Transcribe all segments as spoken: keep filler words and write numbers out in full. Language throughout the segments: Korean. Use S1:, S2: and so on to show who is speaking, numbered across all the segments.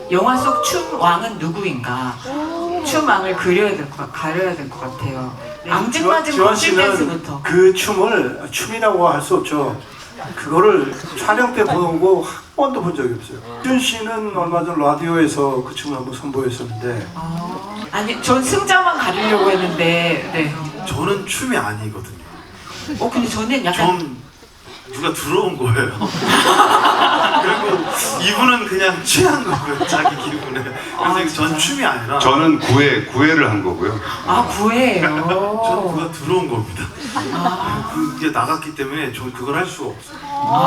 S1: 영화 속 춤 왕은 누구인가? 춤 왕을 그려야 될 것, 가려야 될 것 같아요. 앙증맞은
S2: 지원
S1: 멋진
S2: 씨는
S1: 댄스부터.
S2: 그 춤을 춤이라고 할 수 없죠. 그거를 촬영 때 보고 한 번도 본 적이 없어요. 지원 씨는 얼마 전 라디오에서 그 춤을 한번 선보였었는데.
S1: 아, 아니, 전 승자만 가리려고 했는데, 네.
S3: 저는 춤이 아니거든요.
S1: 어, 근데 저는 약간.
S3: 전 누가 들어온 거예요. 그리고 이분은 그냥 취한 거고요, 자기 기분에. 그래서
S1: 아,
S3: 전 춤이 아니라
S4: 저는 구회, 구회를 한 거고요.
S1: 아, 구애예요.
S3: 저는 누가 들어온 겁니다.
S1: 아,
S3: 그게 나갔기 때문에 전 그걸 할 수가 없어요.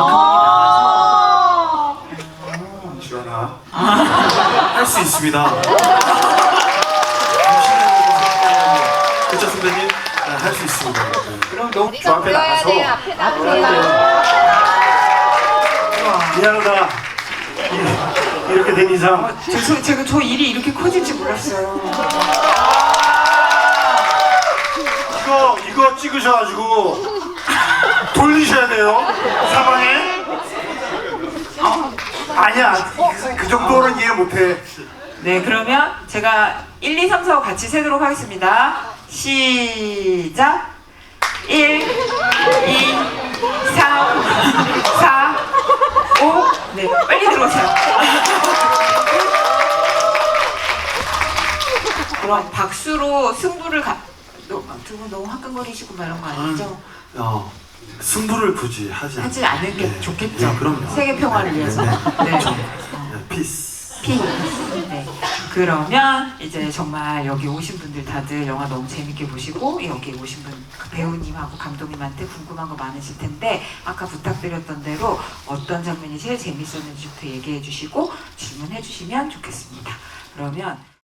S1: 아,
S2: 지원아.
S3: 할 수 있습니다. 그쵸 선배님? 할 수 있습니다.
S1: 그럼 너무
S2: 저 앞에 나가서
S5: 앞에 나가세요.
S2: 미안하다. 이- 이렇게 된 이상
S1: 어, 죄송, 제가 저 일이 이렇게 커질지 몰랐어요.
S2: 이거 이거 찍으셔가지고 돌리셔야 돼요. 사방에. 아, 아니야. 그, 그 정도는 이해 못해.
S1: 네, 그러면 제가 일, 이, 삼, 사 같이 세도록 하겠습니다. 시작! 일, 이, 삼, 사, 오. 네, 빨리 들어오세요. 그럼 박수로 승부를 가. 두 분 너무 화끈거리시고 막 이런 거 아니죠?
S3: 어, 승부를 굳이 하지,
S1: 하지 않은 게
S3: 네.
S1: 좋겠죠.
S3: 네, 그럼요.
S1: 세계 평화를 위해서.
S3: 네,
S1: 네.
S3: 네. 피스.
S1: 피. 네. 그러면 이제 정말 여기 오신 분들 다들 영화 너무 재밌게 보시고 여기 오신 분 그 배우님하고 감독님한테 궁금한 거 많으실 텐데 아까 부탁드렸던 대로 어떤 장면이 제일 재밌었는지부터 얘기해 주시고 질문해 주시면 좋겠습니다. 그러면